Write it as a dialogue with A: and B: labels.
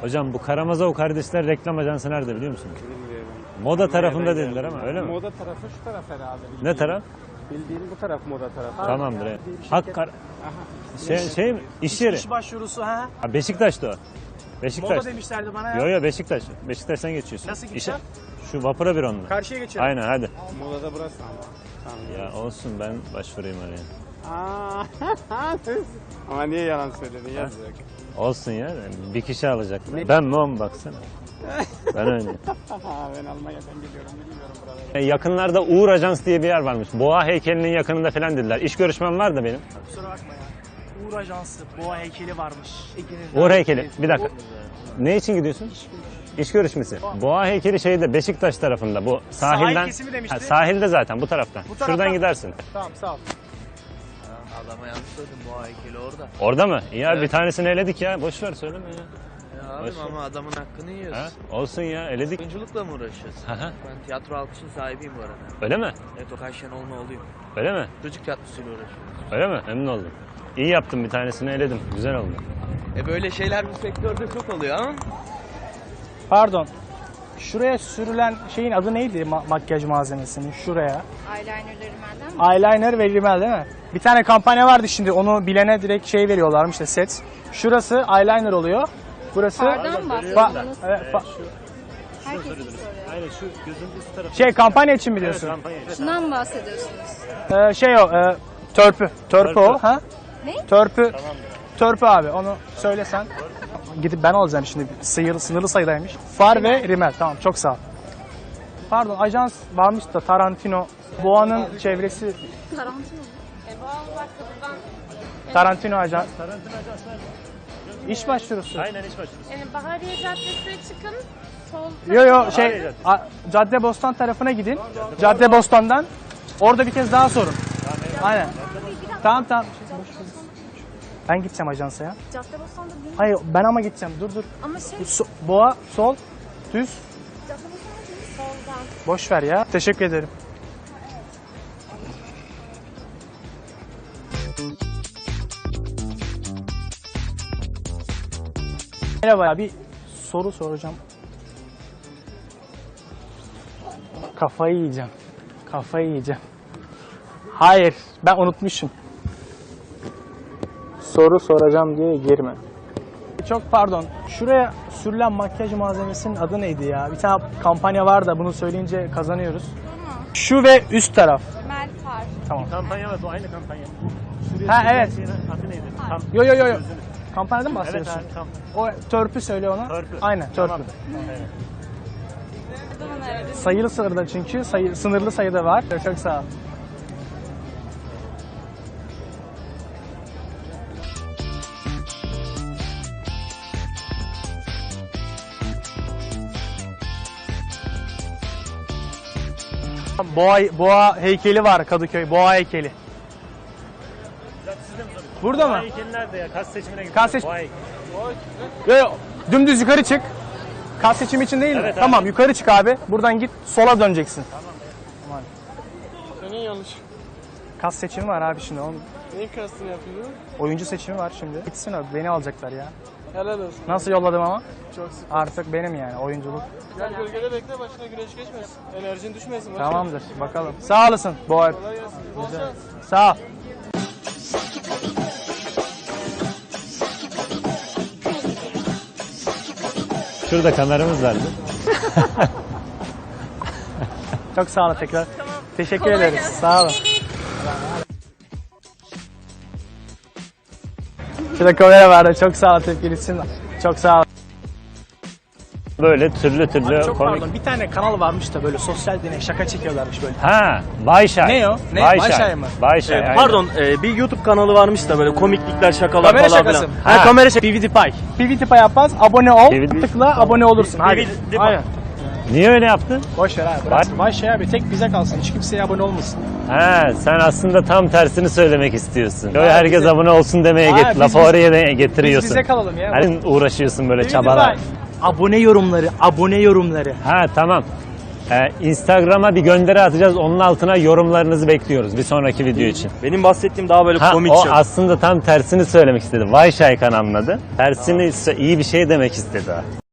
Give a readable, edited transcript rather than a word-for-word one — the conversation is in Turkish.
A: Hocam bu Karamazov kardeşler reklam ajansı nerede biliyor musun?
B: Bilmiyorum.
A: Moda tarafında dediler ama öyle mi?
B: Moda tarafı şu taraf herhalde.
A: Ne taraf?
B: Bildiğin bu taraf moda tarafı.
A: Tamamdır. Evet.
B: Bir şirket-
A: Hakkar. Şey mi? İş yeri.
C: İş başvurusu ha.
A: Ha, Beşiktaş'ta o. Beşiktaş.
C: Moda demişlerdi bana ya.
A: Yo Beşiktaş. Beşiktaş'tan geçiyorsun.
C: Nasıl gideceğim?
A: Şu vapura bir onunla.
C: Karşıya geçelim.
A: Aynen hadi.
B: Modada burası ama. Tamam.
A: Ya olsun ben başvurayım oraya.
B: Aa, ama niye yalan söyledin? Yazık.
A: Olsun ya. Bir kişi alacak. Ben mi o mu baksana. Ben öyle.
B: Ben Almanya'dan geliyorum. Bilmiyorum buraları.
A: Yakınlarda Uğur Ajans diye bir yer varmış. Boğa heykelinin yakınında falan dediler. İş görüşmem var da benim.
C: Kusura bakma ya. Uğur Ajansı, Boğa heykeli varmış.
A: Uğur heykeli. Bir dakika. Ne için gidiyorsun? İş görüşmesi. Boğa heykeli şeyde Beşiktaş tarafında. Bu sahilden.
C: Sahil kesimi demişti.
A: Ha, sahilde zaten bu taraftan.
C: Bu taraftan.
A: Şuradan gidersin.
C: Tamam sağ ol.
D: Adama yanlış söyledim, bu heykeli orada.
A: Orada mı? Ya
D: Evet.
A: bir tanesini eledik ya. Boş ver söyleme ya.
D: Ya abim ama adamın hakkını yiyoruz.
A: Ha? Olsun ya eledik.
D: Oyunculukla mı uğraşıyorsun?
A: Hı hı.
D: Ben tiyatro alkışın sahibiyim bu arada.
A: Öyle mi?
D: Evet, Okan Şenol'un oğluyum.
A: Öyle mi?
D: Çocuk tiyatrosuyla uğraşıyoruz.
A: Öyle mi? Memnun oldum. İyi yaptım, bir tanesini eledim. Güzel oldu.
D: Böyle şeyler bu sektörde çok oluyor ama.
C: Pardon. Şuraya sürülen şeyin adı neydi makyaj malzemesinin? Şuraya.
E: Eyelinerleri benden mi?
C: Eyeliner ve rimel değil mi? Bir tane kampanya vardı şimdi. Onu bilene direkt şey veriyorlarmış işte set. Şurası eyeliner oluyor. Burası
E: Fardan mı bahsediyorsunuz?
C: evet,
E: Herkesin soruyor.
A: Aynen şu gözün üst tarafı.
C: şey kampanya için mi diyorsun?
E: Şundan mı bahsediyorsunuz?
C: Şey o törpü. Törpü o. Ha?
E: Ne?
C: Törpü. Törpü abi onu söylesen. Gidip ben alacağım şimdi. Sınırlı sayıdaymış. Far ve rimel. Tamam çok sağ ol. Pardon ajans varmış da Tarantino. Boğa'nın çevresi.
E: Tarantino.
C: Tarantino ajans.
A: Tarantino Ajans nerede?
C: İş başvurusu.
A: Aynen iş başvurusu.
F: Yani Bahariye Caddesi'ne çıkın. Sol
C: Yo şey Caddebostan tarafına gidin. Caddebostan'dan orada bir kez daha sorun. Aynen. Tamam. Ben gideceğim ajansa ya.
E: Caddebostan'da değil mi?
C: Hayır ben ama gideceğim. Dur.
E: Ama şey
C: Boğa sol düz.
E: Caddebostan'da değil mi? Soldan.
C: Boş ver ya. Teşekkür ederim. Merhaba ya bir soru soracağım. Kafayı yiyeceğim. Hayır ben unutmuşum. Soru soracağım diye girme. Çok pardon. Şuraya sürülen makyaj malzemesinin adı neydi ya? Bir tane kampanya var da bunu söyleyince kazanıyoruz. Şu ve üst taraf.
E: Melfar.
C: Tamam.
A: Kampanya var, bu aynı kampanya.
C: Ha evet.
A: Adı neydi?
C: Yo. Kampanyadan mı bahsediyorsun?
A: Evet, tamam.
C: O törpü söyle ona.
A: Törpü.
C: Aynen törpü.
A: Tamam.
C: Sayılı sınırda çünkü sınırlı sayıda var. Çok sağ ol. Boğa heykeli var Kadıköy. Boğa heykeli. Burada mı?
A: Heykeli nerede ya? Kas seçimine gidiyor.
C: Kas seç- Yo. Dümdüz yukarı çık. Kas seçimi için değil mi?
A: Evet abi.
C: Tamam yukarı çık abi. Buradan git sola döneceksin.
B: Senin yanlış.
C: Kas seçimi var abi şimdi. Onun
B: Neyin kastını yapıyorsun?
C: oyuncu seçimi var şimdi. Gitsin abi beni alacaklar ya.
B: Helal olsun.
C: Nasıl yolladım ama?
B: Çok sık.
C: Artık benim yani oyunculuk.
B: Gel gölgede bekle, başına güneş geçmesin. Enerjin düşmesin. boş ver.
C: Tamamdır bakalım. Sağ olasın Boğa.
B: Kolay gelsin. Bol şans.
C: Sağ ol.
A: Şurada kameramız vardı.
C: Çok sağ olun tekrar. Teşekkür ederiz. Sağ olun. Şurada kamera vardı. Çok sağ ol tepkilisin. Çok sağ ol.
A: Böyle türlü
C: Çok
A: komik.
C: pardon. Bir tane kanal varmış da böyle sosyal deney şaka çekiyorlarmış böyle.
A: Ha, Bayşay.
C: Ne o? Ne?
A: Bayşay.
C: Bayşay mı?
A: Bayşay. aynen.
G: Pardon, bir YouTube kanalı varmış da böyle komiklikler, şakalar
C: Kamera
G: falan
C: şakası
G: filan.
C: mı?
G: Ha, kamera şakası. PewDiePie.
C: PewDiePie yapmaz. Abone ol.
A: PewDiePie.
C: Tıkla abone olursun. Hadi.
G: PewDiePie.
C: Aynen.
A: Niye öyle yaptın?
C: Boş ver abi. Bırak. Bayşay abi tek bize kalsın. Hiç kimseye abone olmasın.
A: Ha, sen aslında tam tersini söylemek istiyorsun. Böyle herkes
C: bize-
A: abone olsun demeye
C: Ha, biz-
A: lafı oraya da getiriyorsun.
C: Biz bize kalalım ya.
A: Hani uğraşıyorsun böyle
C: PewDiePie.
A: çabalar.
C: Abone yorumları.
A: Ha tamam. Instagram'a bir gönderi atacağız. Onun altına yorumlarınızı bekliyoruz bir sonraki video için.
G: Benim bahsettiğim daha böyle
A: Ha,
G: komik
A: o
G: şaka.
A: aslında tam tersini söylemek istedi. Vay Şaykan anladı. Tersini iyi bir şey demek istedi.